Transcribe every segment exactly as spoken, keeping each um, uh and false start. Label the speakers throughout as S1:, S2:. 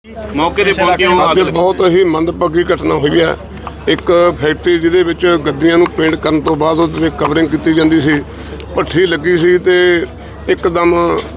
S1: मौके ते पहुंचे हो
S2: अज बहुत ही मंदभागी घटना हुई है। एक फैक्ट्री जिहदे विच गद्दियां नूं पेंट करन तो बाद उहदे ते कवरिंग कीती जांदी सी, भट्ठी लगी सी ते एकदम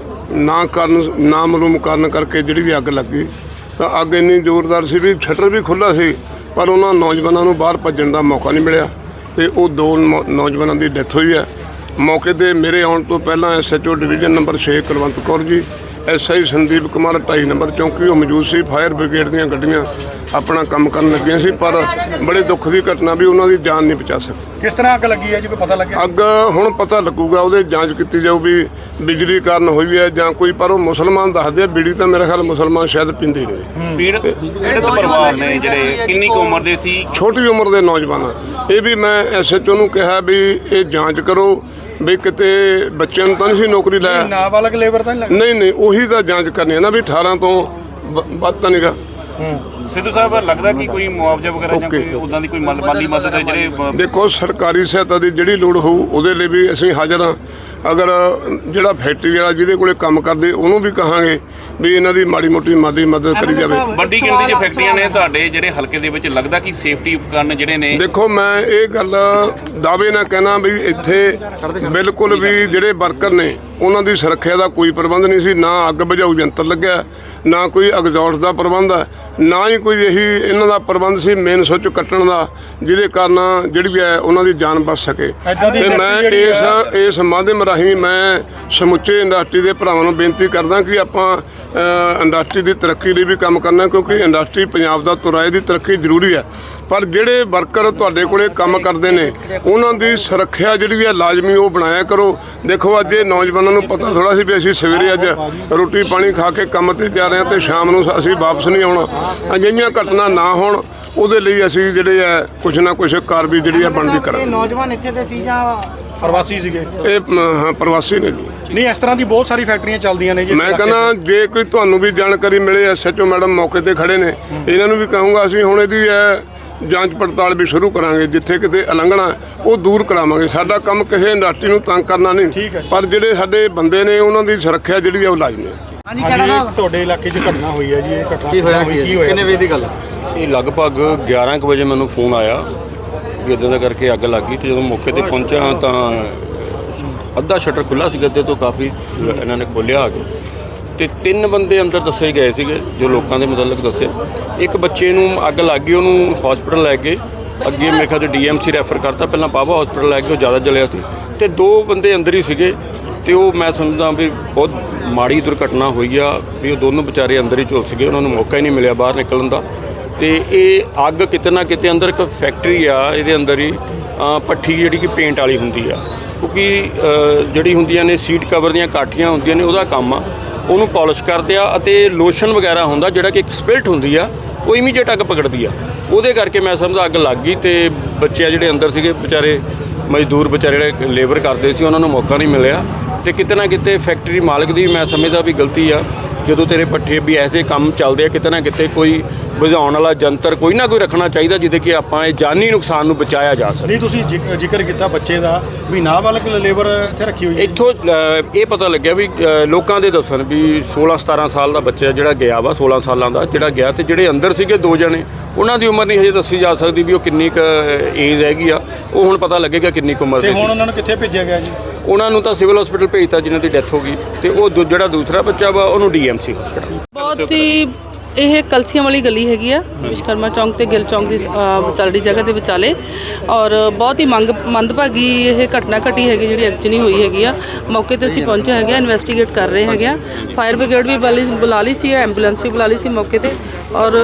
S2: ना कारण ना मालूम कारण करके जिहड़ी भी अग लग गई। तो अग इन्नी जोरदार सी भी शटर भी खुला सी, पर उन्हां नौजवानों नूं बाहर भज्जण दा मौका नहीं मिलिया ते वो दो नौजवानों की डेथ हुई है। मौके ते मेरे आउण तो पहला S H O division number छे कुलवंत कौर जी, एस आई संदीप कुमार ढाई नंबर चौंकी वो मौजूद सी। फायर ब्रिगेड दीयां गड्डियां अपना काम करन लगियां सी, पर बड़े दुख की घटना भी उन्हां दी जान नहीं बचा सकी।
S3: किस तरह अग लगी है जी, कोई पता लगे?
S2: अग हुण पता लगूगा, ਉਹਦੇ ਜਾਂਚ ਕੀਤੀ ਜਾਊ भी बिजली कारण हुई है ਜਾਂ कोई, पर वो मुसलमान दसदे आ। बीड़ी तो मेरे ख्याल मुसलमान शायद पींदे नहीं।
S1: पीड़ पीड़ित परिवार ने ਜਿਹੜੇ ਕਿੰਨੀ ਕੁ ਉਮਰ ਦੇ ਸੀ?
S2: छोटी उम्र के नौजवान ये भी मैं एस एच ओ ਨੂੰ ਕਿਹਾ भी ये ਜਾਂਚ करो भी किते बच्चों तो नहीं सी नौकरी लाया।
S3: नाबालग लेबर तो नहीं लगा?
S2: नहीं नहीं ਉਹੀ ਤਾਂ ਜਾਂਚ ਕਰਨੀ है ना भी अठारह तो ਵੱਧ ਤਾਂ ਨਹੀਂਗਾ।
S1: ਸਿੱਧੂ ਸਾਹਿਬ ਲੱਗਦਾ ਕਿ ਕੋਈ ਮੁਆਵਜ਼ਾ ਵਗੈਰਾ ਜਾਂ ਕੋਈ ਉਦਾਂ ਦੀ ਕੋਈ ਮਾਲ- ਮਾਲੀ ਮਦਦ ਹੈ ਜਿਹੜੇ
S2: ਦੇਖੋ ਸਰਕਾਰੀ ਸਹਾਇਤਾ ਦੀ ਜਿਹੜੀ ਲੋੜ ਹੋਊ ਉਹਦੇ ਲਈ ਵੀ ਅਸੀਂ ਹਾਜ਼ਰ ਹਾਂ। ਅਗਰ ਜਿਹੜਾ ਫੈਕਟਰੀ ਵਾਲਾ ਜਿਹਦੇ ਕੋਲੇ ਕੰਮ ਕਰਦੇ ਉਹਨੂੰ ਵੀ ਕਹਾਂਗੇ ਵੀ ਇਹਨਾਂ ਦੀ ਮਾੜੀ ਮੋਟੀ ਮਾਲੀ ਮਦਦ ਕਰੀ ਜਾਵੇ।
S1: ਵੱਡੀ ਗਿਣਤੀ 'ਚ ਫੈਕਟਰੀਆਂ ਨੇ ਤੁਹਾਡੇ ਜਿਹੜੇ ਹਲਕੇ ਦੇ ਵਿੱਚ, ਲੱਗਦਾ ਕਿ ਸੇਫਟੀ ਉਪਕਰਨ ਜਿਹੜੇ ਨੇ?
S2: ਦੇਖੋ ਮੈਂ ਇਹ ਗੱਲ ਦਾਅਵੇ ਨਾਲ ਕਹਿਣਾ ਵੀ ਇੱਥੇ ਬਿਲਕੁਲ ਵੀ ਜਿਹੜੇ ਵਰਕਰ ਨੇ ਉਹਨਾਂ ਦੀ ਸੁਰੱਖਿਆ ਦਾ ਕੋਈ ਪ੍ਰਬੰਧ ਨਹੀਂ ਸੀ। ਨਾ ਅੱਗ ਬੁਝਾਊ ਯੰਤਰ ਲੱਗਿਆ, ਨਾ ਕੋਈ ਐਗਜ਼ੌਸਟ ਦਾ ਪ੍ਰਬੰਧ ਹੈ, ਨਾ ਹੀ ਕੋਈ ਇਹੀ ਇਹਨਾਂ ਦਾ ਪ੍ਰਬੰਧ ਸੀ ਮੇਨ ਸੁੱਚ ਕੱਟਣ ਦਾ, ਜਿਹਦੇ ਕਾਰਨ ਜਿਹੜੀ ਹੈ ਉਹਨਾਂ ਦੀ ਜਾਨ ਬਚ ਸਕੇ। ਤੇ ਮੈਂ ਇਸ ਇਸ ਮਾਧਿਅਮ ਰਾਹੀਂ ਮੈਂ ਸਮੁੱਚੇ ਇੰਡਸਟਰੀ ਦੇ ਭਰਾਵਾਂ ਨੂੰ ਬੇਨਤੀ ਕਰਦਾ ਕਿ ਆਪਾਂ ਇੰਡਸਟਰੀ ਦੀ ਤਰੱਕੀ ਲਈ ਵੀ ਕੰਮ ਕਰਨਾ, ਕਿਉਂਕਿ ਇੰਡਸਟਰੀ ਪੰਜਾਬ ਦਾ ਤੁਰਾਏ ਦੀ ਤਰੱਕੀ ਜ਼ਰੂਰੀ ਹੈ। ਪਰ ਜਿਹੜੇ ਵਰਕਰ ਤੁਹਾਡੇ ਕੋਲੇ ਕੰਮ ਕਰਦੇ ਨੇ ਉਹਨਾਂ ਦੀ ਸੁਰੱਖਿਆ ਜਿਹੜੀ ਹੈ ਲਾਜ਼ਮੀ ਉਹ ਬਣਾਇਆ ਕਰੋ। ਦੇਖੋ ਅੱਜ ਇਹ ਨੌਜਵਾਨਾਂ ਨੂੰ ਪਤਾ ਥੋੜ੍ਹਾ ਸੀ ਵੀ ਅਸੀਂ ਸਵੇਰੇ ਅੱਜ ਰੋਟੀ ਪਾਣੀ ਖਾ ਕੇ ਕੰਮ 'ਤੇ ਜਾ ਰਹੇ ਹਾਂ ਤੇ ਸ਼ਾਮ ਨੂੰ ਅਸੀਂ ਵਾਪਸ ਨਹੀਂ ਆਉਣਾ। ਅਜਿਹੀਆਂ ਘਟਨਾ ਨਾ ਹੋਣ ਉਹਦੇ ਲਈ ਅਸੀਂ ਜਿਹੜੇ ਹੈ ਕੁਛ ਨਾ ਕੁਛ ਕਾਰਵਾਈ ਜਿਹੜੀ ਹੈ ਬਣਦੀ ਕਰਾਂਗੇ।
S4: ਨੌਜਵਾਨ ਇੱਥੇ ਦੇ ਸੀ ਜਾਂ
S3: ਪ੍ਰਵਾਸੀ ਸੀਗੇ?
S2: ਇਹ ਹਾਂ ਪ੍ਰਵਾਸੀ ਨੇ ਜੀ।
S3: ਨਹੀਂ, ਇਸ ਤਰ੍ਹਾਂ ਦੀ ਬਹੁਤ ਸਾਰੀ ਫੈਕਟਰੀਆਂ ਚੱਲਦੀਆਂ ਨੇ ਜੀ।
S2: ਮੈਂ ਕਹਿੰਦਾ ਜੇ ਕੋਈ ਤੁਹਾਨੂੰ ਵੀ ਜਾਣਕਾਰੀ ਮਿਲੇ, ਐਸ ਐਚ ਓ ਮੈਡਮ ਮੌਕੇ ਤੇ ਖੜੇ ਨੇ, ਇਹਨਾਂ ਨੂੰ ਵੀ ਕਹੂੰਗਾ ਅਸੀਂ ਹੁਣ ਇਹਦੀ ਹੈ ਜਾਂਚ ਪੜਤਾਲ ਵੀ ਸ਼ੁਰੂ ਕਰਾਂਗੇ। ਜਿੱਥੇ ਕਿਤੇ ਉਲੰਘਣਾ ਉਹ ਦੂਰ ਕਰਾਵਾਂਗੇ। ਸਾਡਾ ਕੰਮ ਕਿਸੇ ਇੰਡਸਟਰੀ ਨੂੰ ਤੰਗ ਕਰਨਾ ਨਹੀਂ, ਪਰ ਜਿਹੜੇ ਸਾਡੇ ਬੰਦੇ ਨੇ ਉਹਨਾਂ ਦੀ ਸੁਰੱਖਿਆ ਜਿਹੜੀ ਹੈ ਉਹ ਲਾਜ਼ਮੀ ਹੈ।
S3: ਹਾਂਜੀ, ਤੁਹਾਡੇ ਇਲਾਕੇ 'ਚ ਘਟਨਾ ਹੋਈ ਹੈ ਜੀ, ਇਹ ਘਟਨਾ
S4: ਕੀ ਹੋਇਆ ਕੀ ਹੋਇਆ ਕਿੰਨੇ ਵਜੇ ਦੀ ਗੱਲ ਹੈ?
S5: ਇਹ ਲਗਭਗ ਗਿਆਰਾਂ ਕੁ ਵਜੇ ਮੈਨੂੰ ਫੋਨ ਆਇਆ ਵੀ ਇੱਦਾਂ ਦਾ ਕਰਕੇ ਅੱਗ ਲੱਗ ਗਈ। ਤੇ ਜਦੋਂ ਮੌਕੇ ਤੇ ਪਹੁੰਚਿਆ ਤਾਂ ਅੱਧਾ ਸ਼ਟਰ ਖੁੱਲ੍ਹਾ ਸੀ ਗੱਦੇ ਤੋਂ, ਕਾਫੀ ਇਹਨਾਂ ਨੇ ਖੋਲ੍ਹਿਆ ਆ ਕੇ, ਤੇ ਤਿੰਨ ਬੰਦੇ ਅੰਦਰ ਦੱਸੇ ਗਏ ਸੀਗੇ ਜੋ ਲੋਕਾਂ ਦੇ ਮੁਤਲਕ ਦੱਸਿਆ। ਇੱਕ ਬੱਚੇ ਨੂੰ ਅੱਗ ਲੱਗ ਗਈ, ਉਹਨੂੰ ਹਸਪੀਟਲ ਲੈ ਗਏ, ਅੱਗੇ ਮੇਰੇ ਖਿਆਲ 'ਚ ਡੀ ਐਮ ਸੀ ਰੈਫਰ ਕਰਤਾ, ਪਹਿਲਾਂ ਬਾਬਾ ਹਸਪੀਟਲ ਲੈ ਕੇ ਉਹ ਜ਼ਿਆਦਾ ਜਲਿਆ ਸੀ, ਤੇ ਦੋ ਬੰਦੇ ਅੰਦਰ ਹੀ ਸੀਗੇ। ਤੇ ਉਹ ਮੈਂ ਸਮਝਦਾ ਵੀ ਬਹੁਤ ਮਾੜੀ ਦੁਰਘਟਨਾ ਹੋਈ ਆ ਵੀ ਉਹ ਦੋਨੋਂ ਵਿਚਾਰੇ ਅੰਦਰ ਹੀ ਝੁਲਸ ਗਏ, ਉਹਨਾਂ ਨੂੰ ਮੌਕਾ ਹੀ ਨਹੀਂ ਮਿਲਿਆ ਬਾਹਰ ਨਿਕਲਣ ਦਾ। ਤੇ ਇਹ ਅੱਗ ਕਿਤੇ ਨਾ ਕਿਤੇ ਅੰਦਰ ਇੱਕ ਫੈਕਟਰੀ ਆ, ਇਹਦੇ ਅੰਦਰ ਹੀ ਭੱਠੀ ਜਿਹੜੀ ਕਿ ਪੇਂਟ ਵਾਲੀ ਹੁੰਦੀ ਆ, ਕਿਉਂਕਿ ਜਿਹੜੀ ਹੁੰਦੀਆਂ ਨੇ ਸੀਟ ਕਵਰ ਦੀਆਂ ਕਾਠੀਆਂ ਹੁੰਦੀਆਂ ਨੇ, ਉਹਦਾ ਕੰਮ ਆ, ਉਹਨੂੰ ਪੋਲਿਸ਼ ਕਰਦੇ ਆ, ਅਤੇ ਲੋਸ਼ਨ ਵਗੈਰਾ ਹੁੰਦਾ ਜਿਹੜਾ ਕਿ ਇੱਕ ਸਪਿਲਟ ਹੁੰਦੀ ਆ, ਉਹ ਇਮੀਡੀਏਟ ਅੱਗ ਪਕੜਦੀ ਆ। ਉਹਦੇ ਕਰਕੇ ਮੈਂ ਸਮਝਦਾ ਅੱਗ ਲੱਗ ਗਈ। ਤੇ ਬੱਚੇ ਜਿਹੜੇ ਅੰਦਰ ਸੀਗੇ ਵਿਚਾਰੇ ਮਜ਼ਦੂਰ ਵਿਚਾਰੇ ਜਿਹੜੇ ਲੇਬਰ ਕਰਦੇ ਸੀ, ਉਹਨਾਂ ਨੂੰ ਮੌਕਾ ਨਹੀਂ ਮਿਲਿਆ। ਤੇ ਕਿਤੇ ਨਾ ਕਿਤੇ ਫੈਕਟਰੀ ਮਾਲਕ ਦੀ ਮੈਂ ਸਮਝਦਾ ਵੀ ਗਲਤੀ ਆ। ਜਦੋਂ ਤੇਰੇ ਪੱਠੇ ਵੀ ਐਸੇ ਕੰਮ ਚੱਲਦੇ ਆ, ਕਿਤੇ ਨਾ ਕਿਤੇ ਕੋਈ ਬੁਝਾਉਣ ਵਾਲਾ ਯੰਤਰ ਕੋਈ ਨਾ ਕੋਈ ਰੱਖਣਾ ਚਾਹੀਦਾ, ਜਿਹਦੇ ਕਿ ਆਪਾਂ ਇਹ ਜਾਨੀ ਨੁਕਸਾਨ ਨੂੰ ਬਚਾਇਆ ਜਾ ਸਕੇ।
S3: ਨਹੀਂ, ਤੁਸੀਂ ਜ਼ਿਕ- ਜ਼ਿਕਰ ਕੀਤਾ ਬੱਚੇ ਦਾ ਵੀ ਨਾਬਾਲਗ ਲੇਬਰ ਇੱਥੇ ਰੱਖੀ ਹੋਈ ਹੈ।
S5: ਇੱਥੋਂ ਇਹ ਪਤਾ ਲੱਗਿਆ ਵੀ ਲੋਕਾਂ ਦੇ ਦੱਸਣ ਵੀ ਸੋਲਾਂ ਸਤਾਰਾਂ ਸਾਲ ਦਾ ਬੱਚਾ ਜਿਹੜਾ ਗਿਆ ਵਾ, ਸੋਲਾਂ ਸਾਲਾਂ ਦਾ ਜਿਹੜਾ ਗਿਆ, ਤੇ ਜਿਹੜੇ ਅੰਦਰ ਸੀਗੇ ਦੋ ਜਣੇ, ਉਹਨਾਂ ਦੀ ਉਮਰ ਨਹੀਂ ਹਜੇ ਦੱਸੀ ਜਾ ਸਕਦੀ ਵੀ ਉਹ ਕਿੰਨੀ ਕੁ ਏਜ ਹੈਗੀ ਆ। ਉਹ ਹੁਣ ਪਤਾ ਲੱਗੇਗਾ ਕਿੰਨੀ ਕੁ ਉਮਰ ਦੇ
S3: ਤੇ
S5: ਸੀ।
S3: ਹੁਣ ਉਹਨਾਂ ਨੂੰ ਕਿੱਥੇ ਭੇਜਿਆ ਗਿਆ ਜੀ?
S5: ਉਹਨਾਂ ਨੂੰ ਤਾਂ ਸਿਵਲ ਹਸਪੀਟਲ ਭੇਜਤਾ ਜਿਨ੍ਹਾਂ ਦੀ ਡੈਥ ਹੋ ਗਈ, ਤੇ ਉਹ ਦੂ- ਜਿਹੜਾ ਦੂਸਰਾ ਬੱਚਾ ਵਾ ਉਹਨੂੰ ਡੀ ਐਮ ਸੀ ਹਸਪੀਟਲ।
S6: ਬਹੁਤ ਹੀ ਇਹ ਕਲਸੀਆਂ ਵਾਲੀ ਗਲੀ ਹੈਗੀ ਆ, ਵਿਸ਼ਕਰਮਾ ਚੌਂਕ ਤੇ ਗਿੱਲ ਚੌਂਕ ਦੀ ਵਿਚਾਲੜੀ ਜਗ੍ਹਾ ਦੇ ਵਿਚਾਲੇ, ਔਰ ਬਹੁਤ ਹੀ ਮੰਗ ਮੰਦਭਾਗੀ ਇਹ ਘਟਨਾ ਘਟੀ ਹੈਗੀ ਜਿਹੜੀ ਐਕਚੁਅਲੀ ਹੋਈ ਹੈਗੀ ਆ। ਮੌਕੇ ਤੇ ਅਸੀਂ ਪਹੁੰਚੇ ਹੈਗੇ ਆ, ਇਨਵੈਸਟੀਗੇਟ ਕਰ ਰਹੇ ਹੈਗੇ ਆ। ਫਾਇਰ ਬ੍ਰਿਗੇਡ ਵੀ ਬੁਲਾ- ਬੁਲਾ ਲਈ ਸੀ, ਐਂਬੂਲੈਂਸ ਵੀ ਬੁਲਾ ਲਈ ਸੀ ਮੌਕੇ ਤੇ, ਔਰ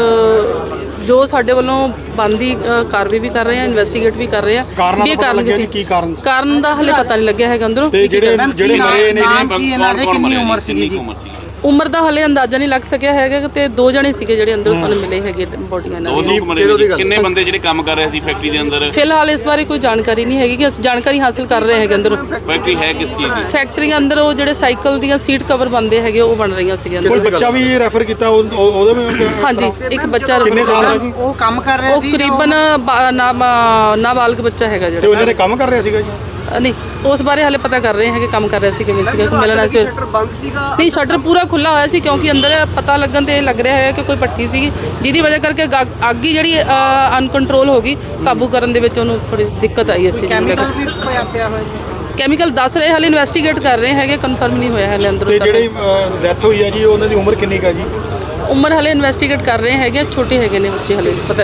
S6: ਜੋ ਸਾਡੇ ਵੱਲੋਂ ਬਣਦੀ ਕਾਰਵਾਈ ਵੀ ਕਰ ਰਹੇ ਆ, ਇਨਵੈਸਟੀਗੇਟ ਵੀ ਕਰ ਰਹੇ ਆ ਵੀ ਇਹ ਕਾਰਨ ਕੀ ਸੀ।
S3: ਕੀ ਕਾਰਨ
S6: ਕਾਰਨ ਦਾ ਹਲੇ ਪਤਾ ਨਹੀਂ ਲੱਗਿਆ ਹੈਗਾ ਅੰਦਰੋਂ।
S3: ਤੇ ਜਿਹੜੇ ਜਿਹੜੇ ਮਰੇ ਨੇ
S4: ਕੀ ਇਹਨਾਂ ਦੇ ਕਿੰਨੀ ਉਮਰ ਸੀਗੀ ਜੀ?
S6: ਉਮਰ ਦਾ ਹਲੇ ਅੰਦਾਜ਼ਾ ਨਹੀਂ ਲੱਗ ਸਕਿਆ ਹੈਗਾ, ਤੇ ਦੋ ਜਣੇ ਸੀਗੇ ਜਿਹੜੇ ਅੰਦਰ ਸਾਨੂੰ ਮਿਲੇ ਹੈਗੇ ਬੋਡੀਆਂ ਨਾਲ।
S1: ਦੋ ਲੋਕ ਮਰੇ ਨੇ। ਕਿੰਨੇ ਬੰਦੇ ਜਿਹੜੇ ਕੰਮ ਕਰ ਰਹੇ ਸੀ ਫੈਕਟਰੀ ਦੇ ਅੰਦਰ?
S6: ਫਿਲਹਾਲ ਇਸ ਬਾਰੇ ਕੋਈ ਜਾਣਕਾਰੀ ਨਹੀਂ ਹੈਗੀ ਕਿ ਅਸੀਂ ਜਾਣਕਾਰੀ ਹਾਸਲ ਕਰ ਰਹੇ ਹੈਗੇ ਅੰਦਰ।
S1: ਫੈਕਟਰੀ ਹੈ ਕਿਸ ਚੀਜ਼ ਦੀ?
S6: ਫੈਕਟਰੀ ਅੰਦਰ ਉਹ ਜਿਹੜੇ ਸਾਈਕਲ ਦੀਆਂ ਸੀਟ ਕਵਰ ਬਣਦੇ ਹੈਗੇ ਉਹ ਬਣ ਰਹੀਆਂ ਸੀਗੀਆਂ।
S3: ਕੋਈ ਬੱਚਾ ਵੀ ਰੈਫਰ ਕੀਤਾ ਉਹ- ਉਹ- ਉਹਦੇ ਵਿੱਚ?
S6: ਹਾਂਜੀ, ਇੱਕ ਬੱਚਾ
S3: ਕਿੰਨੇ ਸਾਲ ਦਾ ਜੀ?
S4: ਉਹ ਕੰਮ ਕਰ ਰਿਹਾ
S6: ਉਹ
S4: ਸੀ?
S6: ਕਰੀਬਨ ਨਾਬਾਲਗ ਬੱਚਾ ਹੈਗਾ
S3: ਤੇ
S6: ਜਿਹੜਾ।
S3: ਉਹਨਾਂ ਨੇ ਕੰਮ ਕਰ ਰਿਹਾ ਸੀਗਾ ਜੀ?
S6: ਅ, ਨਹੀਂ ਉਸ ਬਾਰੇ ਹਾਲੇ ਪਤਾ ਕਰ ਰਹੇ ਹੈਗੇ, ਕੰਮ ਕਰ ਰਹੇ ਸੀ ਕਿਵੇਂ ਸੀਗਾ, ਮਿਲਣਾ ਸੀ।
S4: ਸ਼ਟਰ ਬੰਦ ਸੀਗਾ।
S6: ਨਹੀਂ ਸ਼ਟਰ ਪੂਰਾ ਖੁੱਲਾ ਹੋਇਆ ਸੀ ਕਿਉਂਕਿ ਅੰਦਰ ਪਤਾ ਲੱਗਣ ਤੇ ਇਹ ਲੱਗ ਰਿਹਾ ਹੈ ਕਿ ਕੋਈ ਭੱਠੀ ਸੀਗੀ ਜਿਹਦੀ ਵਜ੍ਹਾ ਕਰਕੇ ਅੱਗ- ਅੱਗ ਹੀ ਜਿਹੜੀ ਅਨਕੰਟਰੋਲ ਹੋ ਗਈ, ਕਾਬੂ ਕਰਨ ਦੇ ਵਿੱਚ ਉਹਨੂੰ ਥੋੜੀ ਦਿੱਕਤ ਆਈ ਅਸੀਂ
S4: ਕੈਮੀਕਲ ਵੀ ਪਿਆ ਪਿਆ ਹੋਇਆ ਜੀ।
S6: ਕੈਮੀਕਲ ਦੱਸ ਰਹੇ, ਹਾਲੇ ਇਨਵੈਸਟੀਗੇਟ ਕਰ ਰਹੇ ਹੈਗੇ, ਕਨਫਰਮ ਨਹੀਂ ਹੋਇਆ ਹਾਲੇ ਅੰਦਰੋਂ
S3: ਤੇ
S6: ਸਾਰਾ।
S3: ਜਿਹੜੀ ਡੈਥ ਹੋਈ ਹੈ ਜੀ ਉਹਨਾਂ ਦੀ ਉਮਰ ਕਿੰਨੀ ਕੁ ਹੈ ਜੀ?
S6: ਉਮਰ ਹਾਲੇ ਇਨਵੈਸਟੀਗੇਟ ਕਰ ਰਹੇ ਹੈਗੇ, ਛੋਟੇ ਹੈਗੇ ਨੇ ਬੱਚੇ ਹਾਲੇ ਪਤਾ